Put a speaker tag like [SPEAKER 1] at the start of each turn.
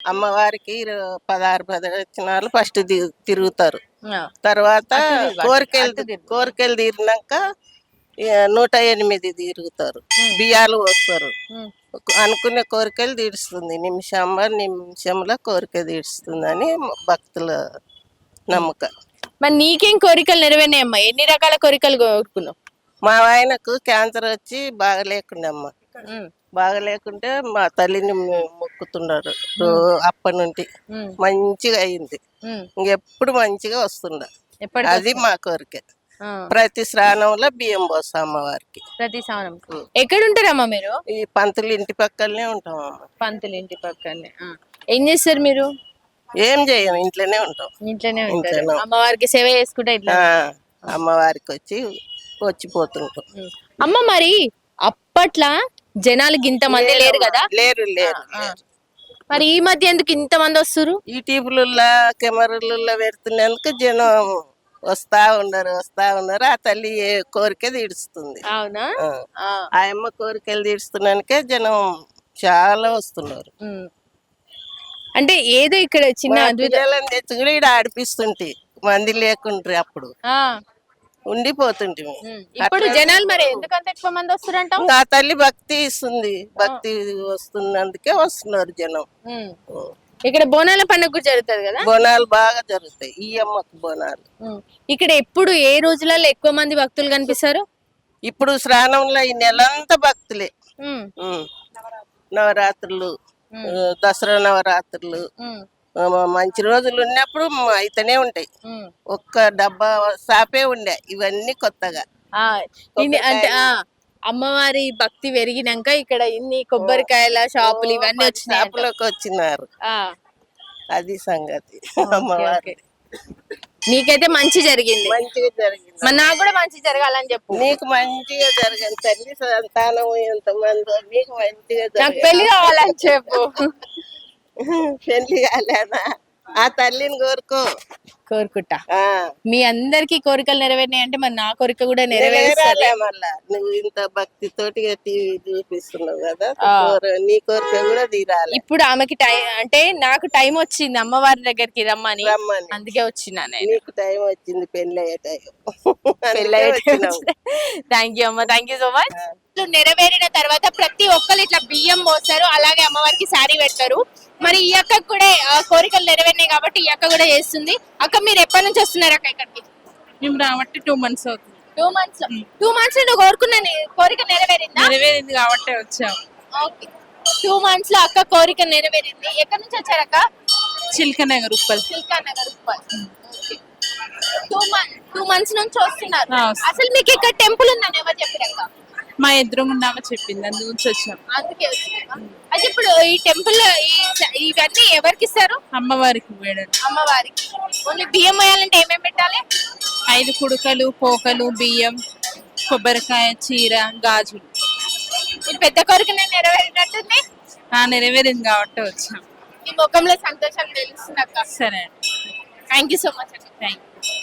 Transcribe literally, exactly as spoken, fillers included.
[SPEAKER 1] అమ్మవారికి ఇరు- పదహారు ప్రదక్షిణాలు ఫస్ట్ ది- తిరుగుతారు.
[SPEAKER 2] ఆ,
[SPEAKER 1] తర్వాత
[SPEAKER 2] అటు తిరుగు, అటు-
[SPEAKER 1] కోరికలు
[SPEAKER 2] అటు తిరుగు.
[SPEAKER 1] కోరికలు తీరినాక ఇక నూట ఎనిమిది తిరుగుతారు.
[SPEAKER 2] ఉమ్.
[SPEAKER 1] బియ్యాలు పోస్తారు.
[SPEAKER 2] ఉమ్.
[SPEAKER 1] అనుకునే కోరికలు తీరుస్తుంది. నిమిషం నిమిషంలో కోరిక తీరుస్తుంది అని భక్తుల నమ్మకం.
[SPEAKER 2] మరి నీకేం కోరికలు నెరవేరినాయమ్మా? ఎన్ని రకాల కోరికలు కోరుకున్నావు?
[SPEAKER 1] మా ఆయనకు క్యాన్సర్ వచ్చి బాగా లేకుండా అమ్మ
[SPEAKER 2] ఉమ్.
[SPEAKER 1] బాగా లేకుంటే మా తల్లిని మొ- మొక్కుతున్నారు. రో- అప్పటి నుండి
[SPEAKER 2] ఉమ్.
[SPEAKER 1] మంచిగా అయింది.
[SPEAKER 2] ఉమ్.
[SPEAKER 1] ఇంకెప్పుడు మంచిగా వస్తుండ.
[SPEAKER 2] ఎప్పటికి
[SPEAKER 1] అది మా కోరిక.
[SPEAKER 2] ఆ,
[SPEAKER 1] ప్రతి స్నానంలో బియ్యం పోస్తాం అమ్మవారికి.
[SPEAKER 2] ప్రతి సంవత్సరం. ఎక్కడ ఉంటారమ్మా మీరు?
[SPEAKER 1] ఈ పంతులు ఇంటి పక్కనే ఉంటాం అమ్మ.
[SPEAKER 2] పంతులు ఇంటి పక్కనే. ఆ. ఏం చేస్తారు మీరు?
[SPEAKER 1] ఏం చేయం, ఇంట్లోనే ఉంటాం.
[SPEAKER 2] ఇంట్లోనే ఉంటారు.
[SPEAKER 1] ఇంట్లోనే.
[SPEAKER 2] అమ్మవారికి సేవ చేసుకుంటే ఇట్లా.
[SPEAKER 1] ఆ, అమ్మవారికి వచ్చి వచ్చిపోతుంటాం.
[SPEAKER 2] ఉమ్. అమ్మ మరి అప్పట్లో జనాలకి ఇంత మంది లేరు కదా?
[SPEAKER 1] లేరు లేరు
[SPEAKER 2] ఆ.
[SPEAKER 1] లేరు.
[SPEAKER 2] మరి ఈ మధ్య ఎందుకు ఇంత మంది వస్తారు?
[SPEAKER 1] ఈ టీపులలో కెమెరాలలో పెడుతున్నందుకు జనం వస్తా ఉన్నారు వస్తా ఉన్నారు. ఆ తల్లి ఏ కోరిక తీరుస్తుంది.
[SPEAKER 2] అవునా?
[SPEAKER 1] ఆ.
[SPEAKER 2] ఆ.
[SPEAKER 1] ఆ అమ్మ కోరికలు తీరుస్తున్నానికే జనం చాలా వస్తున్నారు.
[SPEAKER 2] ఉమ్. అంటే ఏదో ఇక్కడ చిన్న
[SPEAKER 1] మా
[SPEAKER 2] అద్భుతం.
[SPEAKER 1] పిల్లలని తెచ్చి కూడా ఇక్కడ ఆడిపిస్తుంటే మంది లేకుండ్రి అప్పుడు
[SPEAKER 2] ఆ.
[SPEAKER 1] ఉండిపోతుంటే.
[SPEAKER 2] ఉమ్. ఇప్పుడు జనాలు మరి ఎందుకంత ఎక్కువ మంది వస్తారంట?
[SPEAKER 1] ఆ తల్లి భక్తి ఇస్తుంది. భక్తి వస్తున్నందుకే వస్తున్నారు జనం.
[SPEAKER 2] ఇక్కడ బోనాల పండుగ కూడా జరుగుతుంది కదా?
[SPEAKER 1] బోనాలు బాగా జరుగుతాయి. ఈ అమ్మకు బోనాలు
[SPEAKER 2] ఉమ్. ఇక్కడ ఎప్పుడు ఏ రోజులలో ఎక్కువ మంది భక్తులు కనిపిస్తారు?
[SPEAKER 1] ఇప్పుడు శ్రావణంలో ఈ నెలంతా భక్తులే.
[SPEAKER 2] ఉమ్.
[SPEAKER 1] ఉమ్. నవరాత్రులు, ఆ, దసరా నవరాత్రులు,
[SPEAKER 2] ఉమ్.
[SPEAKER 1] ఆ, మంచి రోజులు ఉన్నప్పుడు అయితేనే ఉంటాయి.
[SPEAKER 2] ఉమ్.
[SPEAKER 1] ఒక్క డబ్బా షాపే ఉండే, ఇవన్నీ కొత్తగా.
[SPEAKER 2] ఆ, ఇన్ని అంటే ఆ అమ్మవారి భక్తి పెరిగినాక ఇక్కడ ఇన్ని కొబ్బరికాయల షాపులు ఇవన్నీ వచ్చినాయి.
[SPEAKER 1] షాపులోకి వచ్చినారు. అది సంగతి. అమ్మవారి
[SPEAKER 2] నీకైతే మంచి జరిగింది.
[SPEAKER 1] మంచిగా జరిగింది.
[SPEAKER 2] మరి నాకు కూడా మంచి జరగాలని చెప్పు.
[SPEAKER 1] నీకు మంచిగా జరగదు తల్లి సంతానం ఎంతమంది, నీకు మంచిగా
[SPEAKER 2] నాకు
[SPEAKER 1] జరగదు.
[SPEAKER 2] పెళ్లి కావాలని చెప్పు.
[SPEAKER 1] పెళ్లి కాలేనా? ఆ తల్లిని కోరుకో.
[SPEAKER 2] కోరుకుంటా.
[SPEAKER 1] ఆ,
[SPEAKER 2] మీ అందరికి కోరికలు నెరవేరినాయి అంటే మరి నా కోరిక కూడా నెరవేరాలి.
[SPEAKER 1] నెరవేరాలే. మళ్ళా నువ్వు ఇంత భక్తితోటి టీవీ చూపిస్తున్నావు కదా, కోర- నీ కోరిక కూడా తీరాలి.
[SPEAKER 2] ఇప్పుడు ఆమెకి టైం అంటే నాకు టైం వచ్చింది అమ్మవారి దగ్గరికి రమ్మని,
[SPEAKER 1] రమ్మని.
[SPEAKER 2] అందుకే వచ్చినా నేను.
[SPEAKER 1] నీకు టైం వచ్చింది, పెళ్లి అయ్యే టైం.
[SPEAKER 2] థ్యాంక్ యూ అమ్మ, థ్యాంక్ యూ సో మచ్. నెరవేరిన తర్వాత ప్రతి ఒక్కరు ఇట్లా బియ్యం పోస్తారు, అలాగే అమ్మవారికి శారీ పెడతారు. మరి ఈ అక్కకు కూడా ఆ, కోరికలు నెరవేరినాయి కాబట్టి ఈ అక్క కూడా చేస్తుంది. అక్క మీరు ఎప్పటి నుంచి వస్తున్నారు అక్క ఇక్కడికి?
[SPEAKER 3] మేము రాబట్టి టూ మంత్స్ అవుతుంది.
[SPEAKER 2] టూ మంత్స్ టూ మంత్స్ లో నువ్వు కోరుకున్న నే- కోరిక నెరవేరిందా?
[SPEAKER 3] నెరవేరింది కాబట్టి వచ్చాం.
[SPEAKER 2] ఓకే. టూ మంత్స్ లో అక్క కోరిక నెరవేరింది. ఎక్కడి నుంచి వచ్చారు అక్క?
[SPEAKER 3] Chilka Nagar Uppal.
[SPEAKER 2] Silka Nagar Uppal. Two month two months నుంచి వస్తున్నారు.
[SPEAKER 3] ఆ, వస్తున్నా.
[SPEAKER 2] అసలు మీకు ఇక్కడ టెంపుల్ ఉందని ఎవరు చెప్పారక్క?
[SPEAKER 3] మా ఎదురుగుండామ చెప్పింది, అందు గురించి వచ్చాం.
[SPEAKER 2] అందుకే వచ్చారా? అయితే ఇప్పుడు ఈ టెంపుల్ ఇవన్నీ ఎవరికి ఇస్తారు?
[SPEAKER 3] అమ్మవారికి వేడలు,
[SPEAKER 2] అమ్మవారికి. ఓన్లీ బియ్యం వేయాలంటే ఏమేమి పెట్టాలి?
[SPEAKER 3] ఐదు కుడుకలు, పోకలు, బియ్యం, కొబ్బరికాయ, చీర, గాజులు.
[SPEAKER 2] మీరు పెద్ద కోరికనే నెరవేరినట్టుంది.
[SPEAKER 3] ఆ, నెరవేరింది కాబట్టి వచ్చాం.
[SPEAKER 2] ఈ ముఖంలో సంతోషం తెలుస్తుంది అక్క.
[SPEAKER 3] సరే,
[SPEAKER 2] థ్యాంక్ యూ సో మచ్ అక్క.
[SPEAKER 3] Thank you.